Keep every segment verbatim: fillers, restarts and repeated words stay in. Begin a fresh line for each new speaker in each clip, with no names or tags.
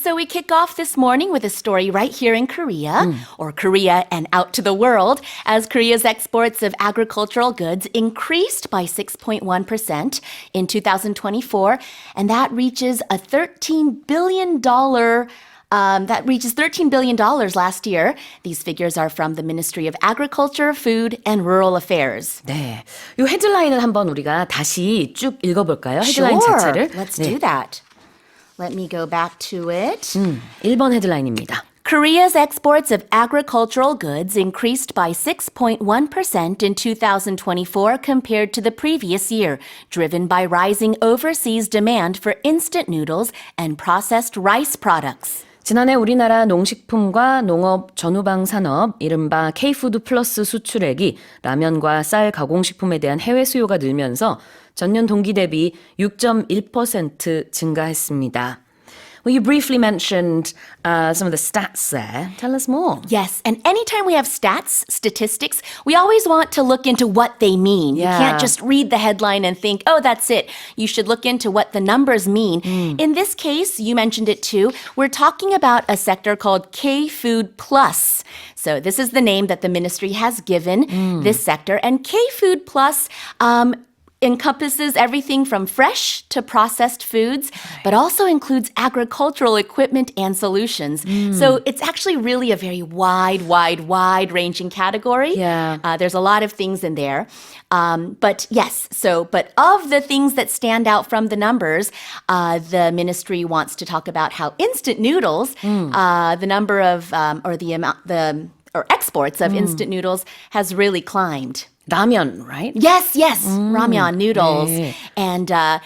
So we kick off this morning with a story right here in Korea, mm. or Korea and out to the world, as Korea's exports of agricultural goods increased by six point one percent in two thousand twenty-four, and that reaches a thirteen billion dollars Um, that reaches thirteen billion dollars last year. These figures are from the Ministry of Agriculture, Food, and Rural Affairs.
네, 이 헤드라인을 한번 우리가 다시 쭉 읽어볼까요? 헤드라인
sure.
자체를.
Let's
네.
do that. Let me go back to it.
음, 일 번 헤드라인입니다.
Korea's exports of agricultural goods increased by six point one percent in two thousand twenty-four compared to the previous year, driven by rising overseas demand for instant noodles and processed rice products.
지난해 우리나라 농식품과 농업 전후방 산업, 이른바 K-푸드 플러스 수출액이 라면과 쌀 가공식품에 대한 해외 수요가 늘면서 전년 동기 대비 육 점 일 퍼센트 증가했습니다. Well, you briefly mentioned uh, some of the stats there. Tell us more.
Yes, and anytime we have stats, statistics, we always want to look into what they mean.
Yeah.
You can't just read the headline and think, oh, that's it. You should look into what the numbers mean. Mm. In this case, you mentioned it too, we're talking about a sector called K-Food Plus. So this is the name that the ministry has given mm. this sector. And K-Food Plus um, encompasses everything from fresh to processed foods, but also includes agricultural equipment and solutions. Mm. So it's actually really a very wide, wide, wide-ranging category.
Yeah.
Uh, there's a lot of things in there. Um, but yes, so, but of the things that stand out from the numbers, uh, the ministry wants to talk about how instant noodles, mm. uh, the number of, um, or the amount, the, or exports of mm. instant noodles has really climbed.
라면, right?
Yes, yes, mm, ramyeon noodles.
네.
And uh,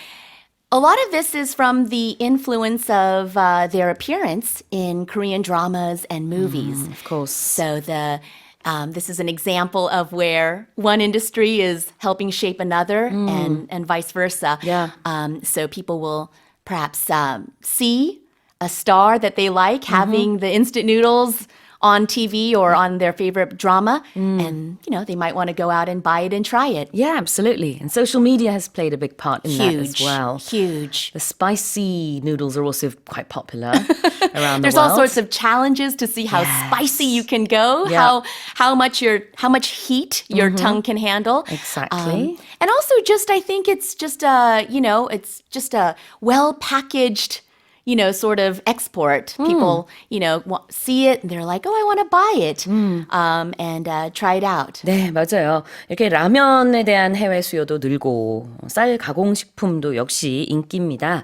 a lot of this is from the influence of uh, their appearance in Korean dramas and movies.
Mm, of course.
So the um, this is an example of where one industry is helping shape another mm. and, and vice versa.
Yeah.
Um, so people will perhaps um, see a star that they like mm-hmm. having the instant noodles on T V or on their favorite drama, mm. and, you know, they might want to go out and buy it and try it.
Yeah, absolutely. And social media has played a big part in
huge,
that as well.
Huge.
The spicy noodles are also quite popular around
There's
the world.
all sorts of challenges to see how
yes.
spicy you can go,
yeah.
how how much your how much heat your mm-hmm. tongue can handle.
Exactly.
Um, and also just I think it's just a, you know, it's just a well-packaged, you know, sort of export. Mm. People, you know, see it and they're like, oh, I want to buy it mm. um, and uh, try it out.
네, 맞아요. 이렇게 라면에 대한 해외 수요도 늘고 쌀 가공식품도 역시 인기입니다.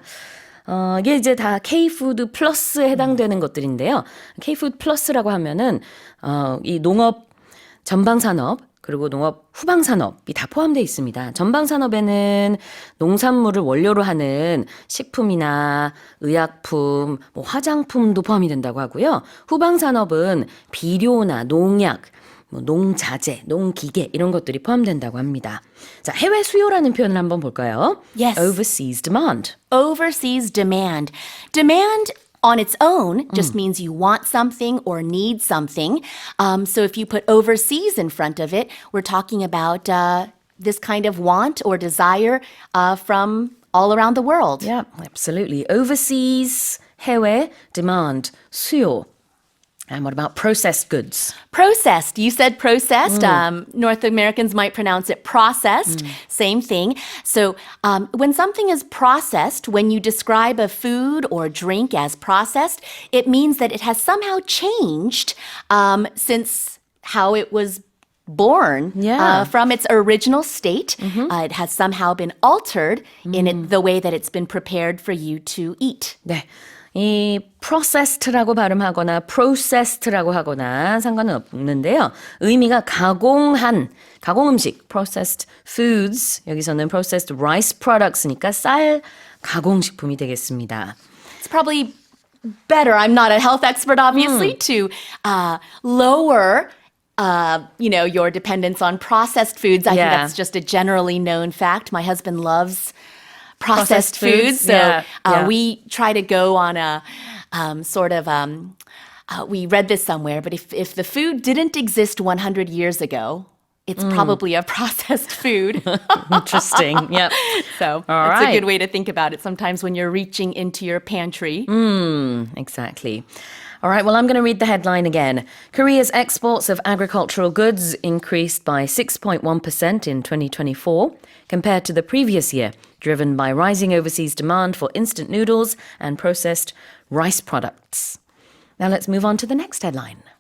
어, 이게 이제 다 K-푸드 플러스에 해당되는 음. 것들인데요. K-푸드 플러스라고 하면은 어, 이 농업 전방 산업 그리고 농업 후방 산업이 다 포함되어 있습니다. 전방 산업에는 농산물을 원료로 하는 식품이나 의약품, 뭐 화장품도 포함이 된다고 하고요. 후방 산업은 비료나 농약, 뭐 농자재, 농기계 이런 것들이 포함된다고 합니다. 자, 해외 수요라는 표현을 한번 볼까요?
Yes.
Overseas demand.
Overseas demand. Demand on its own just mm. means you want something or need something. Um, so if you put overseas in front of it, we're talking about uh, this kind of want or desire uh, from all around the world.
Yeah, absolutely. Overseas, 해외, demand, 수요. And what about processed goods?
Processed. You said processed.
Mm.
Um, North Americans might pronounce it processed. Mm. Same thing. So um, when something is processed, when you describe a food or drink as processed, it means that it has somehow changed um, since how it was born
yeah.
uh, from its original state.
Mm-hmm.
Uh, it has somehow been altered
mm.
in it, the way that it's been prepared for you to eat.
네. 이 processed라고 발음하거나 processed라고 하거나 상관은 없는데요. 의미가 가공한, 가공 음식, processed foods, 여기서는 processed rice products니까 쌀 가공식품이 되겠습니다.
It's probably better, I'm not a health expert obviously, mm. to uh, lower Uh, you know, your dependence on processed foods. I
yeah.
think that's just a generally known fact. My husband loves processed, processed foods, foods. So
yeah.
Uh,
yeah.
we try to go on a um, sort of, um, uh, we read this somewhere, but if, if the food didn't exist one hundred years ago, it's probably a processed food.
Interesting. Yep.
So
All
that's
right.
a good way to think about it sometimes when you're reaching into your pantry.
Exactly. All right, well, I'm going to read the headline again. Korea's exports of agricultural goods increased by six point one percent in twenty twenty-four compared to the previous year, driven by rising overseas demand for instant noodles and processed rice products. Now let's move on to the next headline.